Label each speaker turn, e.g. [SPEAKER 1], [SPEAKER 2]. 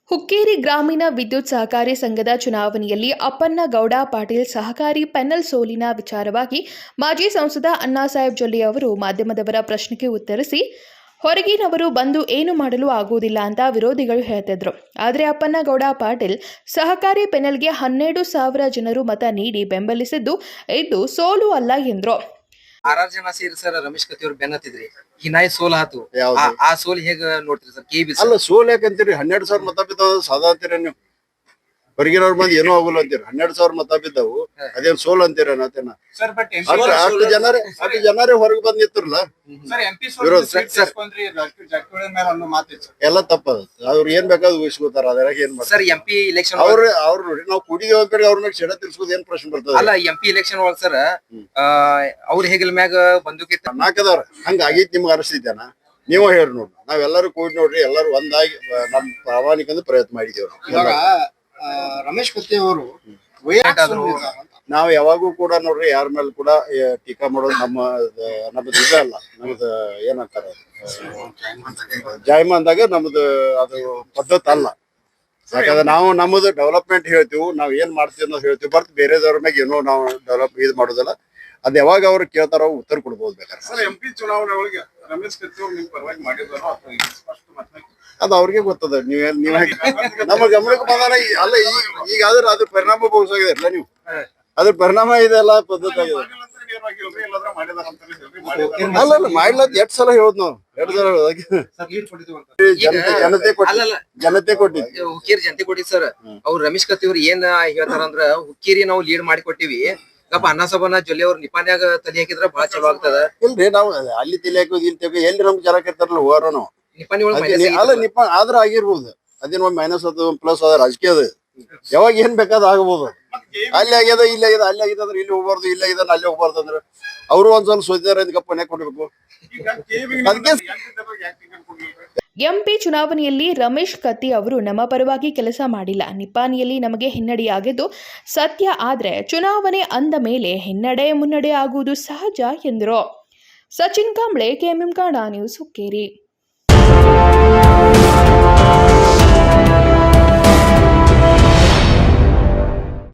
[SPEAKER 1] ಹುಕ್ಕೇರಿ ಗ್ರಾಮೀಣ ವಿದ್ಯುತ್ ಸಹಕಾರಿ ಸಂಘದ ಚುನಾವಣೆಯಲ್ಲಿ ಅಪ್ಪನ್ನಗೌಡ ಪಾಟೀಲ್ ಸಹಕಾರಿ ಪೆನಲ್ ಸೋಲಿನ ವಿಚಾರವಾಗಿ ಮಾಜಿ ಸಂಸದ ಅಣ್ಣಾಸಾಹೇಬ್ ಜೊಲ್ಲೆ ಅವರು ಮಾಧ್ಯಮದವರ ಪ್ರಶ್ನೆಗೆ ಉತ್ತರಿಸಿ, ಹೊರಗಿನವರು ಬಂದು ಏನು ಮಾಡಲು ಆಗುವುದಿಲ್ಲ ಅಂತ ವಿರೋಧಿಗಳು ಹೇಳ್ತಿದ್ರು. ಆದರೆ ಅಪ್ಪನ್ನಗೌಡ ಪಾಟೀಲ್ ಸಹಕಾರಿ ಪೆನಲ್ಗೆ 12,000 ಜನರು ಮತ ನೀಡಿ ಬೆಂಬಲಿಸಿದ್ದು ಇದು ಸೋಲು ಅಲ್ಲ ಎಂದರು.
[SPEAKER 2] 6 ಜನ ಸೇರಿ ಸರ್ ರಮೇಶ್ ಕತ್ತಿ ಅವ್ರು ಬೆನ್ನತ್ತಿದ್ರಿ ಹಿನಾಯಿ ಸೋಲ್ ಆತು. ಆ ಸೋಲ್ ಹೇಗ ನೋಡ್ತೀರಿ ಸರ್?
[SPEAKER 3] ಅಲ್ಲ, ಸೋಲ್ ಯಾಕಂತೀರಿ? 12,000 ಮತ ಬಿದ್ದಾವ ಸಾದಾ ಅಂತೀರ ನೀವು? ಹೊರಗಿನವ್ರ ಮಂದಿ ಏನೋ ಆಗುಲ್ಲ ಅಂತೀರಿ. 12,000 ಮತ ಬಿದ್ದಾವು, ಅದೇನ್ ಸೋಲ್ ಅಂತೀರ? ಅಷ್ಟು ಜನರೇ ಹೊರಗೆ ಬಂದ್ ನಿಂತಿರಲ್ಲ, ಎಲ್ಲ ತಪ್ಪದ. ಅವ್ರು ಏನ್ ಬೇಕಾದ್ ಊಹಿಸ್ಕೋತಾರ, ಅದ್ರಾಗ ಏನ್
[SPEAKER 2] ಸರ್? MP ಇಲೆಕ್ಷನ್
[SPEAKER 3] ಅವ್ರು ನೋಡಿ, ನಾವು ಕುಡಿದೇವ್ ಅಂತ ಅವ್ರ ಮ್ಯಾಗ ಸೆಡ ತಿರ್ಸ್ಕೋದ್ ಏನ್ ಪ್ರಶ್ನೆ ಬರ್ತದ?
[SPEAKER 2] ಅಲ್ಲ, MP ಇಲೆಕ್ಷನ್ ಒಳಗ್ ಸರ್ ಅವ್ರ ಹೆಗಲ್ ಮ್ಯಾಗ ಬಂದೂಕಿ
[SPEAKER 3] ನಾಕದವ್ರ ಹಂಗ ಆಗೈತಿ. ನಿಮ್ಗೆ ಅನಿಸ್ತಿದ್ದೇನ? ನೀವ ಹೇಳಿ ನೋಡ್ರಿ. ನಾವೆಲ್ಲರೂ ಕೂಡಿ ನೋಡ್ರಿ, ಎಲ್ಲರೂ ಒಂದಾಗಿ ನಮ್ ಪ್ರಾಮಾಣಿಕ ಪ್ರಯತ್ನ ಮಾಡಿದೇವ್ರಿ.
[SPEAKER 4] ರಮೇಶ್ ಕತ್ತಿ ಅವರು
[SPEAKER 3] ನಾವ್ ಯಾವಾಗೂ ಕೂಡ ನೋಡ್ರಿ, ಯಾರ ಮೇಲೆ ಕೂಡ ಟೀಕಾ ಮಾಡೋದು ನಮ್ಮದು ಇದ ಅಲ್ಲ. ನಮ್ದು ಏನಂತಾರ, ಜಾಯಮಾನ್ದಾಗ ನಮ್ದು ಅದು ಪದ್ಧತಿ ಅಲ್ಲ. ಯಾಕಂದ್ರೆ ನಾವು ನಮ್ಮದು ಡೆವಲಪ್ಮೆಂಟ್ ಹೇಳ್ತೀವಿ, ನಾವ್ ಏನ್ ಮಾಡ್ತೀವಿ ಅನ್ನೋದು ಹೇಳ್ತೀವಿ. ಬರ್ತ್ ಬೇರೆದವ್ರ ಮ್ಯಾಗ ಏನೋ ನಾವು ಡೆವಲಪ್ ಇದು ಮಾಡೋದಲ್ಲ. ಅದ್ ಯಾವಾಗ ಅವ್ರು ಕೇಳ್ತಾರ ಉತ್ತರ ಕೊಡ್ಬೋದು ಬೇಕಾದ್ರೆ.
[SPEAKER 4] MP ಚುನಾವಣೆ ಒಳಗೆ ರಮೇಶ್ ಕತ್ತಿ ಅವ್ರು ನಿಮ್ ಪರವಾಗಿ ಮಾಡಿದಾರೋ
[SPEAKER 3] ಅದು ಅವ್ರಿಗೆ ಗೊತ್ತದ. ನೀವ್ ನಮ್ಮ ಗಮನಕ್ಕೆ ಬಂದಾನ. ಅಲ್ಲ, ಈಗ ಅದ್ರ ಪರಿಣಾಮ ಬಹುಸಾಗಿದೆ ಅಲ್ಲ ನೀವು? ಅದ್ರ ಪರಿಣಾಮ ಇದೆಲ್ಲ ಪದ್ಧತಿ ಆಗಿದೆ. ಅಲ್ಲ, ಮಾಡ್ಲತ್ 2 ಸಲ ಹೇಳುದ್ ನಾವು. 2 ಸಲ ಜನತೆ ಕೊಟ್ಟಿದ್ವಿ.
[SPEAKER 2] ಹುಕ್ಕೇರಿ ಜನತೆ ಕೊಟ್ಟಿದ್ ಸರ್. ಅವ್ರು ರಮೇಶ್ ಕತ್ತಿ ಅವ್ರು ಏನ್ ಹೇಳ್ತಾರ ಅಂದ್ರ, ಹುಕ್ಕೇರಿ ನಾವು ಲೀಡ್ ಮಾಡಿ ಕೊಟ್ಟಿವಿ, ಅಣ್ಣಾಸಾಬನ ಜೊಲ್ಲೆ ಅವ್ರ ನಿಪಾನ್ಯಾಗ ತಲೆ ಹಾಕಿದ್ರ ಬಹಳ ಚಲೋ ಆಗ್ತದ.
[SPEAKER 3] ಇಲ್ರಿ, ನಾವು ಅಲ್ಲಿ ತಲೆ ಹಾಕೋದು ಇಲ್ಲಿ ತೆಗ ಎಲ್ಲಿ ನಮ್ಗೆ ಜನ ಇರ್ತಾರಲ್ಲ ಹೋಗಾರ ನಾವು.
[SPEAKER 2] ನಿಪಾನಿ
[SPEAKER 3] ಅಲ್ಲ, ಆದ್ರ ಆಗಿರ್ಬೋದು. ಅದೇನ್ ಮೈನಸ್ ಅದು ಪ್ಲಸ್ ಅದ ರಾಜಕೀಯ. ಅದು ಯಾವಾಗ ಏನ್ ಬೇಕಾದ ಆಗ್ಬೋದು. ಅಲ್ಲಿ ಆಗ್ಯದ, ಇಲ್ಲಿ ಆಗ್ಯದ, ಅಲ್ಲಿ ಆಗಿದ ಅಂದ್ರೆ ಇಲ್ಲಿ ಹೋಗ್ಬಾರ್ದು, ಇಲ್ಲಿ ಆಗಿದ ಅಲ್ಲಿ ಹೋಗ್ಬಾರ್ದು ಅಂದ್ರೆ ಅವರು ಒಂದ್ಸಲ ಸೋತಿದಾರ ಅಂತ ಗಪ್ಪನೆ ಕೊಡ್ಬೇಕು.
[SPEAKER 1] MP ಚುನಾವಣೆಯಲ್ಲಿ ರಮೇಶ್ ಕತ್ತಿ ಅವರು ನಮ್ಮ ಪರವಾಗಿ ಕೆಲಸ ಮಾಡಿಲ್ಲ. ನಿಪಾನಿಯಲ್ಲಿ ನಮಗೆ ಹಿನ್ನಡೆಯಾಗಿದ್ದು ಸತ್ಯ. ಆದ್ರೆ ಚುನಾವಣೆ ಅಂದ ಮೇಲೆ ಹಿನ್ನಡೆ ಮುನ್ನಡೆ ಆಗುವುದು ಸಹಜ ಎಂದರು. Sachin Kamble, KMM Kannada news, Hukkeri.